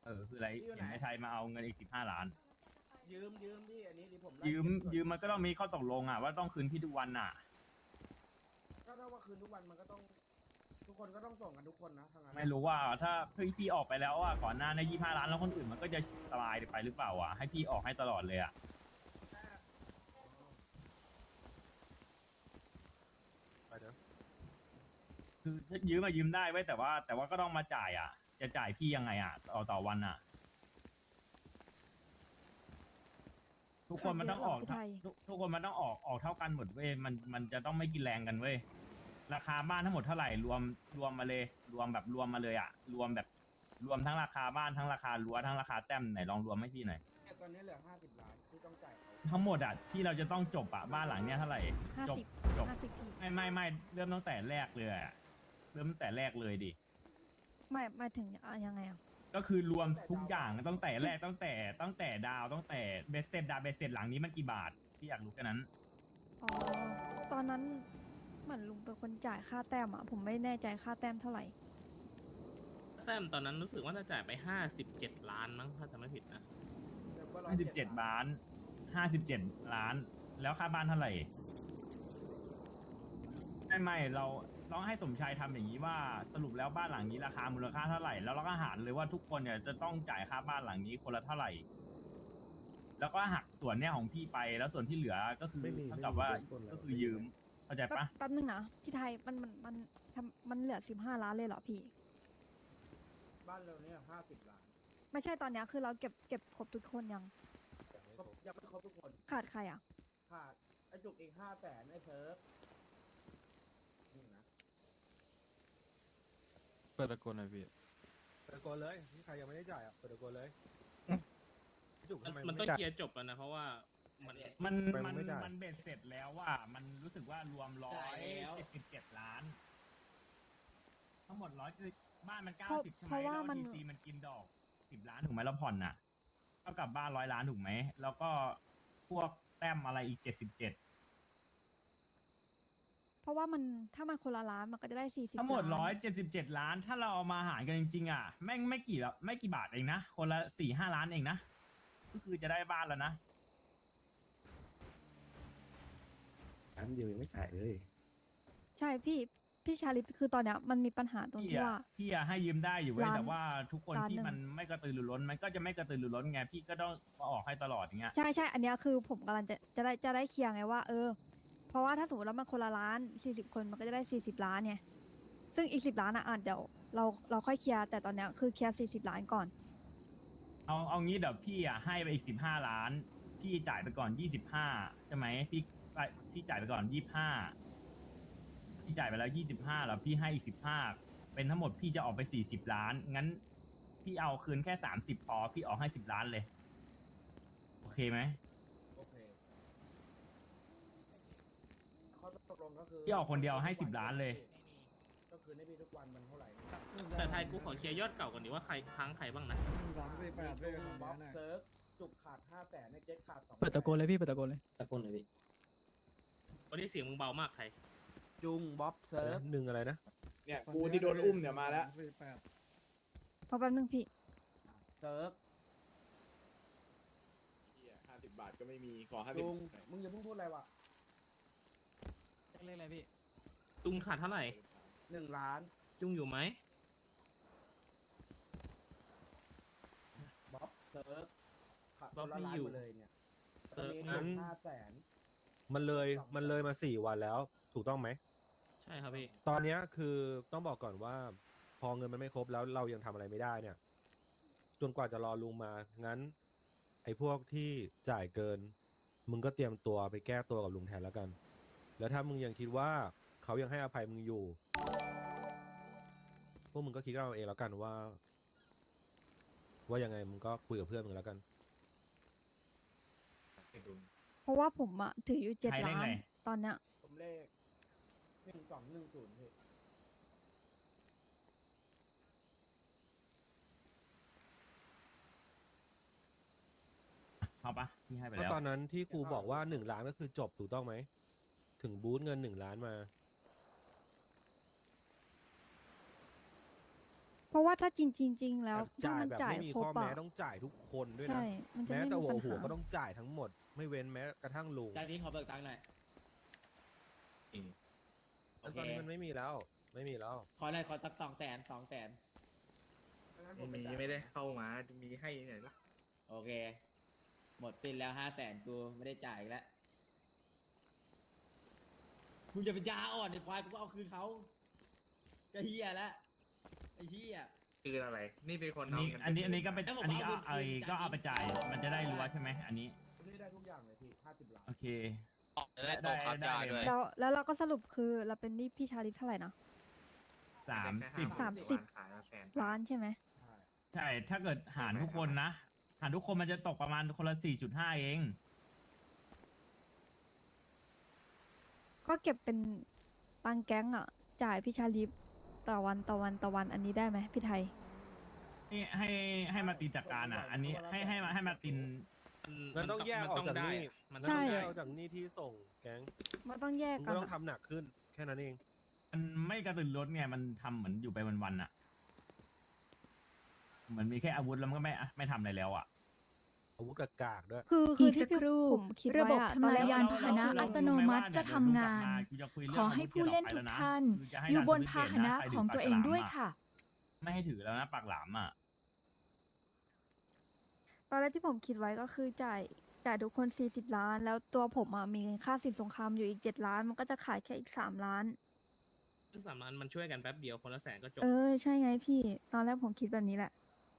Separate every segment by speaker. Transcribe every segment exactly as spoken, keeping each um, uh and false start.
Speaker 1: เออคืออะไร
Speaker 2: พี่อยู่ไหน
Speaker 1: เห็นไอ้ชัยมาเอาเงินอีกสิบห้าล้าน
Speaker 2: ยืมยืมพี่อันนี้ดิผมไล่
Speaker 1: ยืม
Speaker 2: เก็บส่วน
Speaker 1: ยืมมันก็ต้องมีข้อตกลงอ่ะว่าต้องคืนพี่ทุกวันอ่ะ
Speaker 2: ก็ถ้าว่าคืนทุกวันมันก็ต้อง ทุกคนก็ต้องส่งกันทุกคนนะทางนั้น
Speaker 1: ไม่รู้ว่าถ้าพี่พี่ออกไปแล้วอ่ะก่อนหน้าในยี่ห้าล้านแล้วคนอื่นมันก็จะสบายไปหรือเปล่าอ่ะให้พี่ออกให้ตลอดเลยอ่ะ
Speaker 3: ไปเถอะ
Speaker 1: คือยืมมายืมได้ไว้ยแต่ว่า แต่ว่าก็ต้องมาจ่ายอ่ะ จะจ่ายพี่ยังไงอ่ะต่อต่อวันอ่ะ ทุกคนมันต้องออก
Speaker 4: พี่ไทย
Speaker 1: ทุกทุกคนมันต้องออกออกเท่ากันหมดเว้ยมันมันจะต้องไม่กินแรงกันเว้ยราคาบ้านทั้งหมดเท่าไหร่รวมรวมมาเลย รวมแบบรวมมาเลยอ่ะรวมแบบรวมทั้งราคาบ้านทั้งราคารั้วทั้งราคาแต้มไหนลองรวมให้พี่หน่อย
Speaker 2: เนี่ยตอนนี้เหลือห้าสิบล้านที่ต้องจ่ายเขา
Speaker 1: ทั้งหมดอ่ะที่เราจะต้องจบอ่ะบ้านหลังเนี้ยเท่าไหร่
Speaker 4: ห้า
Speaker 1: จบ
Speaker 4: สิบ
Speaker 1: จบ
Speaker 4: ห้าสิบพี่
Speaker 1: ไม่ไม่ไม่เริ่มตั้งแต่แรกเลยอะเริ่มตั้งแต่แรกเลยดิ
Speaker 4: ไม่หมายถึงอ่ะยังไงอ่ะ
Speaker 1: ก็คือรวมทุกอย่างตั้งแต่แรกตั้งแต่ตั้งแต่ดาวตั้งแต่เบสเซ็ตดาวเบสเซ็ตหลังนี้มันกี่บาทพี่อยากรู้แค่นั้น
Speaker 4: อ๋อตอนนั้นเหมือนลุงเป็นคนจ่ายค่าแต้มอ่ะผมไม่แน่ใจค่าแต้มเท่าไหร่
Speaker 5: แต้มตอนนั้นรู้สึกว่าจะจ่ายไปห้าสิบเจ็ดล้านมั้งถ้าจำไม่ผิดนะ
Speaker 2: เดี๋ยวก็ร้อย
Speaker 1: ห้าสิบเจ็ดล้านห้าสิบเจ็ดล้าน แล้วค่าบ้านเท่าไหร่ไม่ไม่เราต้องให้สมชายทำอย่างนี้ว่าสรุปแล้วบ้านหลังนี้ราคามูลค่าเท่าไหร่แล้วเราก็หารเลยว่าทุกคนเนี่ยจะต้องจ่ายค่าบ้านหลังนี้คนละเท่าไหร่ แล้วก็หักส่วนเนี่ยของพี่ไปแล้วส่วนที่เหลือก็คือ
Speaker 3: ไม่มี
Speaker 1: เท่ากับว่า
Speaker 3: ไม่มีต้นๆแล้ว
Speaker 1: ก็คือยืมเข้าใจ
Speaker 4: แป๊บ
Speaker 1: ปะ
Speaker 4: แป๊บนึงนะพี่ไทยมันมันมันทำมันเหลือสิบห้าล้านเลยเหรอพี่
Speaker 2: บ้านเราเนี่ยห้าสิบล้าน
Speaker 4: ไม่ใช่ตอนเนี้ยคือเราเก็บเก็บครบทุกคนยัง
Speaker 2: ครบยังไม่ครบทุกคน
Speaker 4: ขาดใครอ่ะ
Speaker 2: ขาดไอ้จุกอีกห้าแสนไอ้เซิร์ฟนี่นะ
Speaker 6: เปิดตะโกนหน่อยพี่
Speaker 3: เปิดตะโกนเลยนี่ใครยังไม่ได้จ่ายอ่ะเปิดตะโกนเลยพี่จุก
Speaker 5: มัน
Speaker 3: ทำไม
Speaker 5: มัน
Speaker 3: ไ
Speaker 5: ต้องเคลียร์จบแล้วนะ เพราะว่ามัน
Speaker 1: มัน
Speaker 3: ไป
Speaker 1: มัน
Speaker 3: ไม่ได้
Speaker 1: มันเบ็ดเสร็จแล้วว่ามันรู้สึกว่ารวมร้อยเจ็ดสิบเจ็ดล้าน ทั้งหมดร้อยคือบ้านมันเก้า
Speaker 4: เพราะ
Speaker 1: สิบใช่ไห
Speaker 4: เพ
Speaker 1: ม
Speaker 4: ราะว่า
Speaker 1: แล้ว
Speaker 4: มัน
Speaker 1: ทีซีมันกินดอกสิบล้านถูกไหมแล้วผ่อนน่ะเท่ากับบ้านร้อยล้านถูกไหมแล้วก็พวกแต้มอะไรอีกเจ็ดสิบเจ็ด
Speaker 4: เพราะว่ามันถ้ามันคนละล้านมันก็จะได้สี่สิบ
Speaker 1: ทั้งหมด
Speaker 4: ล้าน
Speaker 1: ร้อยเจ็ดสิบเจ็ดล้าน ถ้าเราเอามาหารกันจริงๆอ่ะแม่งไม่กี่ละไม่กี่บาทเองนะคนละสี่ห้าล้านเองนะก็คือจะได้บ้านแล้วนะ
Speaker 3: ล้านเดียวยังไม่จ่ายเลย
Speaker 4: ใช่พี่พี่ชาลิปคือตอนเนี้ยมันมีปัญหาตรง
Speaker 1: พี่
Speaker 4: ที่
Speaker 1: อะ
Speaker 4: ว่า
Speaker 1: พี่อะให้ยืมได้อยู่เว้ย
Speaker 4: ล้าน
Speaker 1: แต่ว่าทุกคน
Speaker 4: ล้าน
Speaker 1: ที่
Speaker 4: หนึ่ง
Speaker 1: มันไม่กระตือรือร้นมันก็จะไม่กระตือรือร้นไงพี่ก็ต้องมาออกให้ตลอดอย่างเงี้ย
Speaker 4: ใช่ใช่อันเนี้ยคือผมกำลังจะจะได้จะได้เคลียร์ไงว่า เออ เพราะว่าถ้าสมมติแล้วมันคนละล้านสี่สิบคนมันก็จะได้สี่สิบล้านไงซึ่งอีกสิบล้านอ่ะอ่ะเดี๋ยวเราเราค่อยเคลียร์แต่ตอนเนี้ยคือเคลียร์สี่สิบล้านก่อน
Speaker 1: เอาเอางี้เดี๋ยวพี่อ่ะให้ไปอีกสิบห้าล้าน พี่จ่ายไปก่อนยี่สิบห้าใช่ไหมพี่ไปพี่จ่ายไปก่อนยี่สิบห้าพี่จ่ายไปแล้วยี่สิบห้าแล้วพี่ให้อีกสิบห้าเป็นทั้งหมดพี่จะออกไปสี่สิบล้าน งั้น พี่เอาคืนแค่สามสิบพอพี่ออกให้สิบล้านเลย โอเคไหม
Speaker 2: โอเคข้อตกลงก็คือ
Speaker 1: พี่ออกคนเดียวให้สิบล้านเลย
Speaker 2: ก็คือในพี่ทุกวันมันเท่าไหร่
Speaker 5: แต่ไทยกูขอเคลียร์ยอดเก่าก่อนดีว่าใครค้างใครบ้างนะ
Speaker 7: สามสี่แปดด้วยกัน
Speaker 2: บ๊
Speaker 7: บ๊
Speaker 2: อ
Speaker 7: อ
Speaker 2: บบ
Speaker 7: นะ
Speaker 2: เซิร์ฟจุกขาดห้าแสนในเจ็ดขาดสอง
Speaker 7: เปิดตะโกนเลยพี่เปิดตะโกนเลย
Speaker 8: ตะโกนเลยพี่
Speaker 5: วันนี้เสียงมึงเบามากไทย
Speaker 2: จุงบ๊อบเซิร์ฟ
Speaker 3: หนึ่งอะไรนะ
Speaker 7: เนี่ยกูที่โดนอุ้มเนี่ยมาแล้วสี่แปด
Speaker 4: พอแป๊บนึงพี่
Speaker 2: เซิร์ฟ
Speaker 6: ห้าสิบบาทก็ไม่มี ขอห้าสิบ
Speaker 2: จุงมึงอย่าเพิ่งพูดอะไรวะ
Speaker 7: เล่นอะไรพี่
Speaker 5: ตุงขาดเท่าไหร่
Speaker 2: หนึ่งล้าน
Speaker 5: จุงอยู่ไหม
Speaker 2: บ๊อบเซิร์ฟขาด
Speaker 5: บ๊อบ
Speaker 2: คนละ
Speaker 5: ไม่
Speaker 2: ล้าน
Speaker 5: อยู่
Speaker 2: หมดเลยเนี่ยต
Speaker 5: เซิ
Speaker 2: อน
Speaker 5: ร์ฟ
Speaker 2: นี้
Speaker 3: งั้น
Speaker 2: ห้าแสน
Speaker 3: มันเลย
Speaker 2: สอง
Speaker 3: มันเลยมาสี่วันแล้ว ถูกต้องไหม
Speaker 5: ใช่ครับพี่
Speaker 3: ตอนเนี้ยคือต้องบอกก่อนว่า พอเงินมันไม่ครบแล้วเรายังทำอะไรไม่ได้เนี่ย จนกว่าจะรอลุงมา งั้น ไอ้พวกที่จ่ายเกิน มึงก็เตรียมตัวไปแก้ตัวกับลุงแทนแล้วกัน แล้วถ้ามึงยังคิดว่าเขายังให้อภัยมึงอยู่ พวกมึงก็คิดเอาเองแล้วกันว่า ว่ายังไงมึงก็คุยกับเพื่อนมึงแล้วกัน
Speaker 4: เพราะว่าผมอะถืออยู่เจ็ด
Speaker 1: ใครเล่น
Speaker 4: ล้าน
Speaker 1: ไง
Speaker 4: ตอนเนี้ย
Speaker 2: ผมเลขหนึ่งสองหนึ่งศูนย์พี่
Speaker 1: เอาปะพี่ให้ไป
Speaker 3: แล้ว
Speaker 1: แล้ว
Speaker 3: ตอนนั้นที่ครูบอกว่าหนึ่งล้านก็คือจบถูกต้องไหม ถึงบูธเงินหนึ่งล้านมา
Speaker 4: ผราะว่าถ้าจริงจริงๆแล้วถ้า
Speaker 3: จ่าย
Speaker 4: มัน
Speaker 3: แบบ
Speaker 4: จ่าย
Speaker 3: ไม่มี
Speaker 4: ครบ
Speaker 3: ข้อแม้
Speaker 4: อะ
Speaker 3: ต้องจ่ายทุกคนด้วย
Speaker 4: ใช่
Speaker 3: นะ
Speaker 4: มันจะ
Speaker 3: แม้
Speaker 4: ไม่
Speaker 3: แต่
Speaker 4: มี
Speaker 3: หั
Speaker 4: ปั
Speaker 3: ว
Speaker 4: ญ
Speaker 3: หัว
Speaker 4: หา
Speaker 3: ก็ต้องจ่ายทั้งหมด ไม่เว้นแม้กระทั่งลุง
Speaker 8: จากนี้ขอเบิกตังค์หน่อย โอ
Speaker 3: แล้ว
Speaker 8: เค
Speaker 3: ตอนนี้มันไม่มีแล้ว ไม่มีแล้ว
Speaker 8: ขอหน่อยขอสักสองแสนสองแสน
Speaker 2: งั้นผ
Speaker 6: ไม่
Speaker 2: ป
Speaker 6: มี
Speaker 2: จ่าย
Speaker 6: ไม่ได้เข้ามา มีให้ไหนล่ะ
Speaker 8: โอเค หมดสิ้นแล้วห้าแสนกูไม่ได้จ่ายอีกแล้วมึงจะเป็นยาอ่อนไอ้ควายกูก็เอาคืนเขาจะเฮียแล้วไอ้เฮีย
Speaker 6: คืออะไร นี่เป็นคน
Speaker 1: อันนี้
Speaker 6: เาเงิ
Speaker 1: อันนี้อันนี้ก็ไป
Speaker 8: แล้วผม
Speaker 1: อันนี้ก็
Speaker 8: เอา
Speaker 1: เอา
Speaker 8: เงินคืน
Speaker 1: ก็เอาไป
Speaker 8: จาก
Speaker 1: จ่าย
Speaker 8: นี้
Speaker 1: มันจะได้รู้ว่าใช่ไหมอันนี้
Speaker 2: นี่ได้ทุกอย่างเลยพี่ห้าสิบล้าน
Speaker 1: โอเค
Speaker 9: จะได้โตครับยาด้วย
Speaker 4: แล้วแล้วเราก็สรุปคือเราเป็นหนี้พี่ชาลิฟเท่าไหร่นะ
Speaker 1: สามสิบ
Speaker 4: สามสิบ
Speaker 6: ขายมาแสน
Speaker 4: ล้านใช่ไหม
Speaker 2: ใช่
Speaker 1: ใช่ ถ้าเกิดหารทุกคนนะ หารทุกคนมันจะตกประมาณคนละสี่จุดห้าเอง
Speaker 4: ก็เก็บเป็นตังแก๊งอ่ะ จ่ายพี่ชาลิฟต่อวันต่อวันต่อวันอันนี้ได้ไหมพี่ไทย
Speaker 1: ให้ให้ให้มาตินจัดการอ่ะ อันนี้ให้ให้มาให้มาติน
Speaker 3: มันต้องแยกออกจากหนี้
Speaker 5: มัน
Speaker 3: มัน
Speaker 5: ต้
Speaker 3: ต้
Speaker 5: อ
Speaker 3: อง ง
Speaker 5: ได้
Speaker 3: แยกออกจากหนี้ที่ส่งแก๊ง
Speaker 4: มันต้องแยก
Speaker 3: มึง
Speaker 4: กั
Speaker 3: ก็
Speaker 4: น
Speaker 3: ต้อง
Speaker 4: อะ
Speaker 3: ทำหนักขึ้น แค่นั้นเอง
Speaker 1: มันไม่กระตือรือร้นไง มันทำเหมือนอยู่ไปวันๆอ่ะ เหมือนมีแค่อาวุธแล้วมันก็ไม่ไม่ทำอะไรแล้วอ่ะ
Speaker 3: อาวุธกากๆด้วย
Speaker 4: คือคือ
Speaker 10: อีกสัก
Speaker 4: ที่
Speaker 10: ครู่
Speaker 4: ผมคิด
Speaker 10: ระบบ
Speaker 4: ไว้อะ
Speaker 10: ทำลาย
Speaker 4: ตอนแรก
Speaker 10: ยานพาหนะอัตโนมัติจะทำงาน ขอให้ผู้เล่นทุกท่าน อยู่บนพาหนะของตัวเองด้วยค่ะ
Speaker 1: ไม่ให้ถือแล้วนะปากหลามอ่ะ
Speaker 4: ตอนแรกที่ผมคิดไว้ก็คือจ่ายจ่ายทุกคนสี่สิบล้าน แล้วตัวผมอะมีค่าสินสงครามอยู่อีกเจ็ดล้าน มันก็จะขายแค่อีกสามล้าน
Speaker 5: ซึ่งสามล้านมันช่วยกันแป๊บเดียวคนละแสนก็จบ
Speaker 4: เออ ใช่ไงพี่ ตอนแรกผมคิดแบบนี้แหละ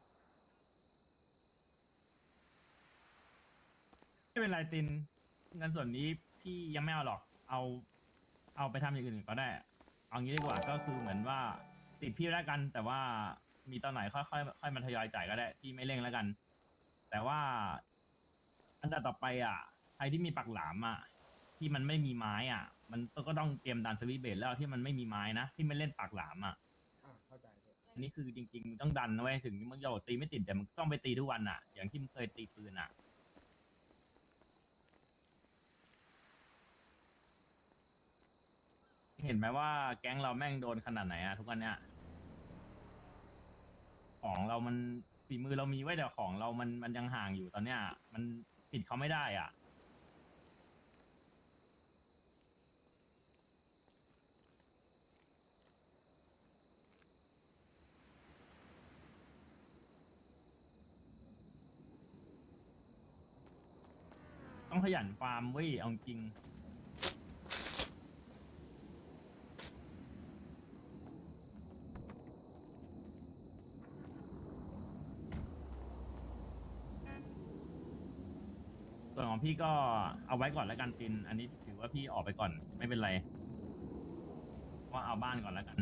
Speaker 1: ไม่เป็นไรตินเงินส่วนนี้พี่ยังไม่เอาหรอก เอาเอาไปทำอย่างอื่นก็ได้ เอางี้ดีกว่าก็คือเหมือนว่าติดพี่แล้วกัน แต่ว่ามีตอนไหนค่อยค่อยค่อยมาทยอยจ่ายก็ได้พี่ไม่เร่งแล้วกัน แต่ว่าอันดับต่อไปอ่ะใครที่มีปักหลามอ่ะที่มันไม่มีไม้อ่ะ มันก็ต้องเตรียมดันสวิตช์เบสแล้วที่มันไม่มีไม้นะที่ไม่เล่นปักหลามอ่ะ
Speaker 2: อ่ะเข้าใจพี่
Speaker 1: อันนี้คือจริงๆมึงต้องดันนะเว้ยถึงมึงจะบอกตีไม่ติดแต่มึงต้องไปตีทุกวันอ่ะ อย่างที่มึงเคยตีปืนอ่ะ เห็นไหมว่าแก๊งเราแม่งโดนขนาดไหนอะทุกวันเนี้ยของเรามันฝีมือเรามีไว้แต่ของเรามันมันยังห่างอยู่ตอนเนี้ย มันปิดเขาไม่ได้อ่ะ ต้องขยันฟาร์มเว้ยเอาจริง ส่วนของพี่ก็เอาไว้ก่อนแล้วกันติน อันนี้ถือว่าพี่ออกไปก่อนไม่เป็นไรว่าเอาบ้านก่อนแล้วกัน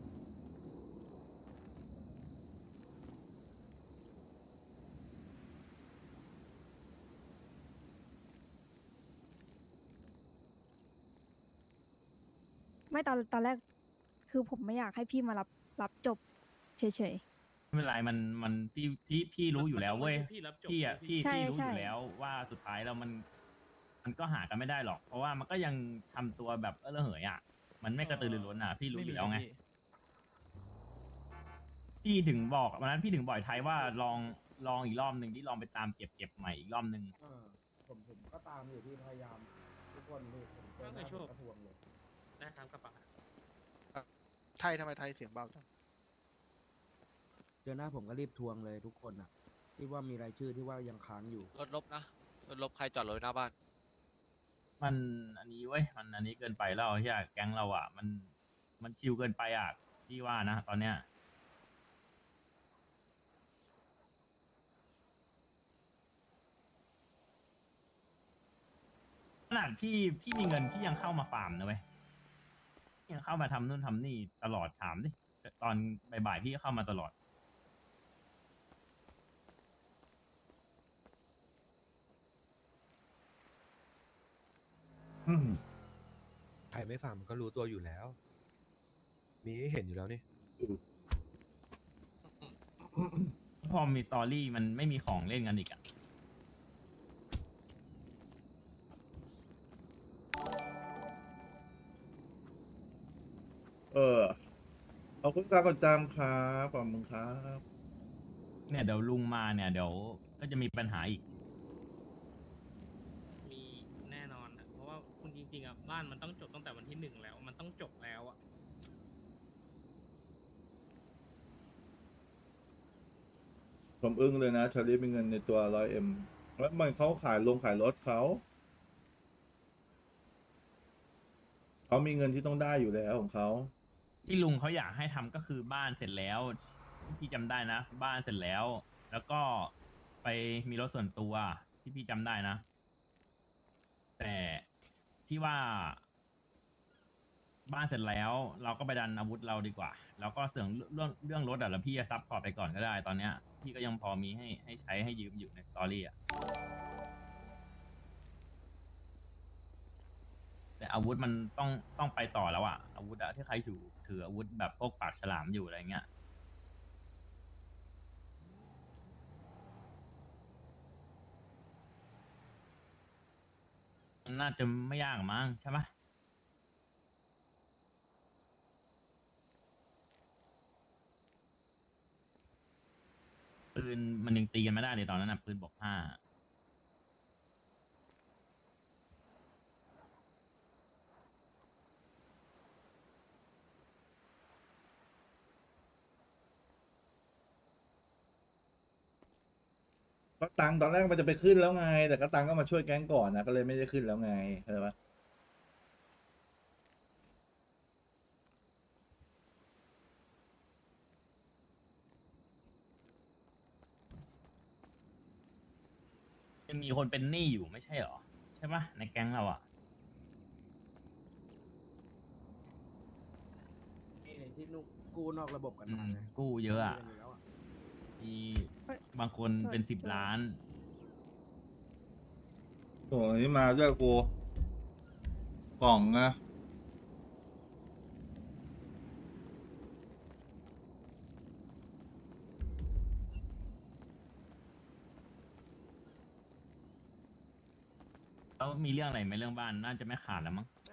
Speaker 4: ไม่ตอนตอนแรก คือผมไม่อยากให้พี่มารับรับจบเฉย
Speaker 1: ไม่เป็นไรมันมันพี่พี่พี่รู้อยู่แล้วเว้ย
Speaker 5: พี่รับจบ
Speaker 1: พี่อ่ะ
Speaker 5: เลย
Speaker 1: พี่
Speaker 4: ใช่
Speaker 1: พี่รู้
Speaker 4: ใช่
Speaker 1: อยู่แล้วว่าสุดท้ายแล้วมัน มันก็หากันไม่ได้หรอก เพราะว่ามันก็ยังทำตัวแบบเออระเหยอ่ะ มันไม่กระตือรือร้นอ่ะ พี่รู้อยู่แล้วไง พี่ถึงบอกวันนั้นพี่ถึงบ่อยไทยว่าลองลองอีกรอบหนึ่งที่ลองไปตามเก็บเก็บใหม่อีกรอบหนึ่ง
Speaker 2: เออผมผมก็ตามอยู่ที่พยายาม ทุกคนพี่ผมเจอหน้าผมก็ทวงเลย
Speaker 5: ได้ครับกระเป๋า
Speaker 9: ไทยทำไมไทยเสียงเบาจัง
Speaker 2: เจอหน้าผมก็รีบทวงเลยทุกคนอ่ะ ที่ว่ามีรายชื่อที่ว่ายังค้างอยู่
Speaker 9: รถลบนะ รถลบใครจอดรถหน้าบ้าน
Speaker 1: มันอันนี้เว้ยมันอันนี้เกินไปแล้วใช่ไหมแก๊งเราอ่ะ มันมันชิลเกินไปอ่ะพี่ว่านะตอนเนี้ยขนาดพี่พี่มีเงินพี่ยังเข้ามาฟาร์มนะเว้ยพี่ยังเข้ามาทำนู่นทำนี่ตลอดถามดิตอนบ่ายๆพี่ก็เข้ามาตลอด อืม
Speaker 3: ใครไม่ฟังมันก็รู้ตัวอยู่แล้ว มีให้เห็นอยู่แล้วนี่
Speaker 1: พอมีตอรี่มันไม่มีของเล่นกันอีกอ่ะ
Speaker 6: เออ
Speaker 11: ขอบคุณการกดจำครับขอบคุณครับ
Speaker 1: เนี่ยเดี๋ยวลุงมาเนี่ยเดี๋ยวก็จะมีปัญหาอีก
Speaker 5: มีแน่นอนอะเพราะว่าคุณจริงๆอ่ะบ้านมันต้องจบตั้งแต่วันที่หนึ่งแล้ว มันต้องจบแล้วอ่ะ
Speaker 11: ผมอึ้งเลยนะชาลีมีเงินในตัวร้อยเอ็มแล้วมันเขาขายลงขายรถเขาเขามีเงินที่ต้องได้อยู่แล้วของเขา
Speaker 1: ที่ลุงเขาอยากให้ทำก็คือบ้านเสร็จแล้วที่พี่จำได้นะ บ้านเสร็จแล้ว แล้วก็ไปมีรถส่วนตัวที่พี่จำได้นะ แต่ที่ว่า บ้านเสร็จแล้ว เราก็ไปดันอาวุธเราดีกว่า แล้วก็เสื่องเรื่องเรื่องรถอ่ะแล้วพี่จะซับพอร์ตไปก่อนก็ได้ตอนเนี้ยพี่ก็ยังพอมีให้ให้ใช้ให้ยืมอยู่ในสตอรี่อ่ะแต่อาวุธมันต้องต้องไปต่อแล้วอ่ะอาวุธอะที่ใครถือถืออาวุธแบบพวกปากฉลามอยู่อะไรเงี้ยมันน่าจะไม่ยากมั้งใช่ปะปืนมันยังตีกันไม่ได้เลยตอนนั้นนะปืนบอกห้า
Speaker 11: ก็ตังค์ตอนแรกมันจะไปขึ้นแล้วไง แต่ก็ตังค์ก็มาช่วยแก๊งก่อนนะก็เลยไม่ได้ขึ้นแล้วไงเข้าใจปะ
Speaker 1: ยังมีคนเป็นหนี้อยู่ไม่ใช่เหรอใช่ปะในแก๊งเราอ่ะ
Speaker 2: นี่ที่นุกู้นอกระบบกัน
Speaker 1: อื
Speaker 2: มาม ไง
Speaker 1: กู้เยอะอ่ะ
Speaker 2: กู้กันยู่แล้วอะ
Speaker 1: มี
Speaker 4: เฮ้ย
Speaker 1: บางคนเป็นสิบล้าน
Speaker 11: โอ้ยมาด้วยกูกล่องนะ
Speaker 1: แล้วมีเรื่องอะไรไหมเรื่องบ้านน่าจะไม่ขาดแล้วมั้ง